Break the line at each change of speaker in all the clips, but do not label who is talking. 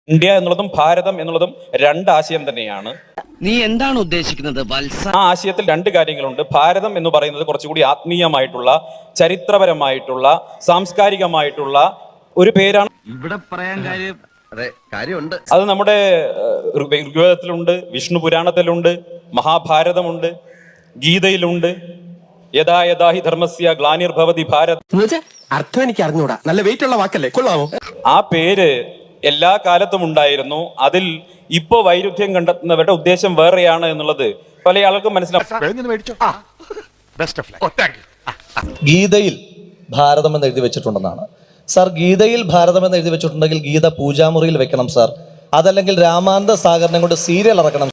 India എന്നുള്ളതും ഭാരതം എന്നുള്ളതും രണ്ട് ആശയം തന്നെയാണ്.
നീ എന്താണ് ഉദ്ദേശിക്കുന്നത് വത്സ?
ആ ആശയത്തിൽ രണ്ട് കാര്യങ്ങളുണ്ട്. ഭാരതം എന്ന് പറയുന്നത് കുറച്ചുകൂടി ആത്മീയമായിട്ടുള്ള, ചരിത്രപരമായിട്ടുള്ള, സാംസ്കാരികമായിട്ടുള്ള ഒരു പേരാണ്.
ഇവിടെ പറയാൻ കാര്യമുണ്ട്.
അത് നമ്മുടെ ഋഗ്വേദത്തിലുണ്ട്, വിഷ്ണു പുരാണത്തിലുണ്ട്, മഹാഭാരതമുണ്ട്, ഗീതയിലുണ്ട്. യഥാ യഥാ ഹി ധർമ്മസ്യ ഗ്ലാനിർഭവതി ഭാരത്.
അർത്ഥം എനിക്ക് അറിഞ്ഞൂടാ. നല്ല വെയിറ്റ് ഉള്ള വാക്കല്ലേ, കൊള്ളാമോ?
ആ പേര് എല്ലാ കാലത്തും ഉണ്ടായിരുന്നു. അതിൽ ഇപ്പോ വൈരുദ്ധ്യം കണ്ടെത്തുന്നവരുടെ ഉദ്ദേശം വേറെയാണ് എന്നുള്ളത് പല ആൾക്കും മനസ്സിലാവും.
ഗീതയിൽ ഭാരതം എന്ന് എഴുതി വെച്ചിട്ടുണ്ടെന്നാണ് സാർ. ഗീതയിൽ ഭാരതം എന്ന് എഴുതി വെച്ചിട്ടുണ്ടെങ്കിൽ ഗീത പൂജാമുറിയിൽ വെക്കണം സാർ. അതല്ലെങ്കിൽ രാമാന്ത സാഗറിനെ കൊണ്ട് സീരിയൽ ഇറക്കണം.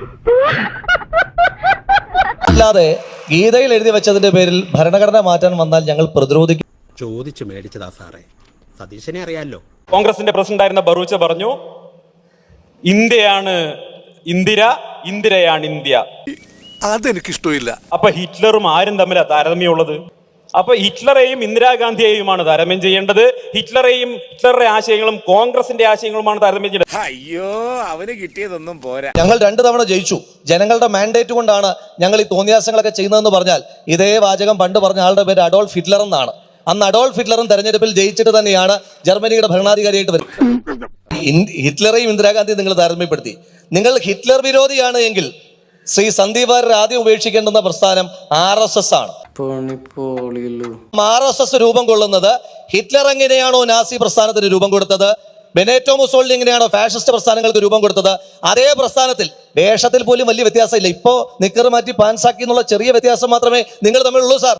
അല്ലാതെ ഗീതയിൽ എഴുതി വെച്ചതിന്റെ പേരിൽ ഭരണഘടന മാറ്റാൻ വന്നാൽ ഞങ്ങൾ പ്രതിരോധിക്കും.
ചോദിച്ചു മേടിച്ചതാ സാറേ, സതീശനെ അറിയാലോ.
കോൺഗ്രസിന്റെ പ്രസിഡന്റ് ആയിരുന്ന ബറൂച്ച പറഞ്ഞു, ഇന്ത്യയാണ് ഇന്ദിര, ഇന്ദിരയാണ് ഇന്ത്യ.
അതെനിക്കിഷ്ടമില്ല.
അപ്പൊ ഹിറ്റ്ലറും ആരും തമ്മിലാണ് താരതമ്യമുള്ളത്? അപ്പൊ ഹിറ്റ്ലറെയും ഇന്ദിരാഗാന്ധിയെയുമാണ് താരതമ്യം ചെയ്യേണ്ടത്. ഹിറ്റ്ലറുടെ ആശയങ്ങളും കോൺഗ്രസിന്റെ ആശയങ്ങളുമാണ് താരതമ്യം ചെയ്യേണ്ടത്.
അയ്യോ, അവന് കിട്ടിയതൊന്നും പോരാ.
ഞങ്ങൾ 2 തവണ ജയിച്ചു. ജനങ്ങളുടെ മാൻഡേറ്റ് കൊണ്ടാണ് ഞങ്ങൾ ഈ തോന്നിയാസങ്ങളൊക്കെ ചെയ്യുന്നതെന്ന് പറഞ്ഞാൽ ഇതേ വാചകം പണ്ട് പറഞ്ഞ ആളുടെ പേര് അഡോൾഫ് ഹിറ്റ്ലർ എന്നാണ്. അന്ന് അഡോൾഫ് ഹിറ്റ്ലറും തെരഞ്ഞെടുപ്പിൽ ജയിച്ചിട്ട് തന്നെയാണ് ജർമ്മനിയുടെ ഭരണാധികാരിയായിട്ട് വരുന്നത്. ഹിറ്റ്ലറെയും ഇന്ദിരാഗാന്ധിയും നിങ്ങൾ താരതമ്യപ്പെടുത്തി. നിങ്ങൾ ഹിറ്റ്ലർ വിരോധിയാണ് എങ്കിൽ ശ്രീ സന്ദീപ് വാര്യർ ആദ്യം ഉപേക്ഷിക്കേണ്ടുന്ന പ്രസ്ഥാനം RSS ആണ്. RSS രൂപം കൊള്ളുന്നത് ഹിറ്റ്ലർ എങ്ങനെയാണോ നാസി പ്രസ്ഥാനത്തിന് രൂപം കൊടുത്തത്, ബെനേറ്റോ മുസോളിനി എങ്ങനെയാണോ ഫാഷിസ്റ്റ് പ്രസ്ഥാനങ്ങൾക്ക് രൂപം കൊടുത്തത്, അതേ പ്രസ്ഥാനത്തിൽ വേഷത്തിൽ പോലും വലിയ വ്യത്യാസമില്ല. ഇപ്പോ നിക്കർ മാറ്റി പാൻസാക്കി എന്നുള്ള ചെറിയ വ്യത്യാസം മാത്രമേ നിങ്ങൾ തമ്മിലുള്ളൂ സാർ.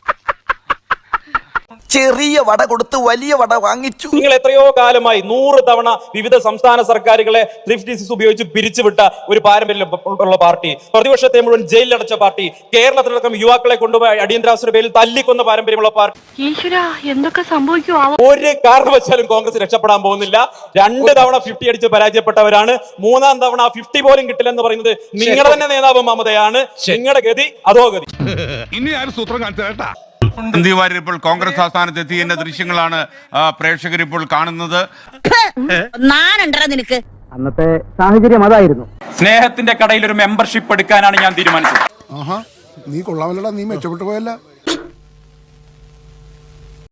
ചെറിയ വട കൊടുത്ത് വലിയ വട വാങ്ങിച്ചു.
നിങ്ങൾ എത്രയോ കാലമായി 100 തവണ വിവിധ സംസ്ഥാന സർക്കാരുകളെ ത്രിഫ്റ്റ് ഡിസീസ് ഉപയോഗിച്ച് പിരിച്ചുവിട്ട ഒരു പാരമ്പര്യമുള്ള പാർട്ടി, പ്രതിപക്ഷത്തെ മുഴുവൻ ജയിലിലടച്ച പാർട്ടി, കേരളത്തിലടക്കം യുവാക്കളെ കൊണ്ടുപോയി അടിയന്തരാവസ്ഥയുടെ പേരിൽ തല്ലിക്കൊന്ന പാരമ്പര്യമുള്ള പാർട്ടി.
എന്തൊക്കെ സംഭവിക്കുമോ?
ഒരു കാരണവശാലും കോൺഗ്രസ് രക്ഷപ്പെടാൻ പോകുന്നില്ല. 2 തവണ 50 അടിച്ച് പരാജയപ്പെട്ടവരാണ്. 3-ാം തവണ 50 പോലും കിട്ടില്ലെന്ന് പറയുന്നത് നിങ്ങളുടെ തന്നെ നേതാവ് മമതയാണ്. നിങ്ങളുടെ ഗതി അതോ ഗതി.
ഇനി ആരും സൂത്രം കാണിച്ചാ.
സന്ദീപ് വാര്യർ ഇപ്പോൾ കോൺഗ്രസ് ആസ്ഥാനത്ത് എത്തിയതിന്റെ ദൃശ്യങ്ങളാണ് പ്രേക്ഷകർ ഇപ്പോൾ കാണുന്നത്.
നിനക്ക്
അന്നത്തെ സാഹചര്യം അതായിരുന്നു.
സ്നേഹത്തിന്റെ കടയിൽ ഒരു മെമ്പർഷിപ്പ് എടുക്കാനാണ് ഞാൻ തീരുമാനിച്ചത്.
നീ കൊള്ളാമല്ലടാ, നീ മെച്ചപ്പെട്ടു പോയല്ല.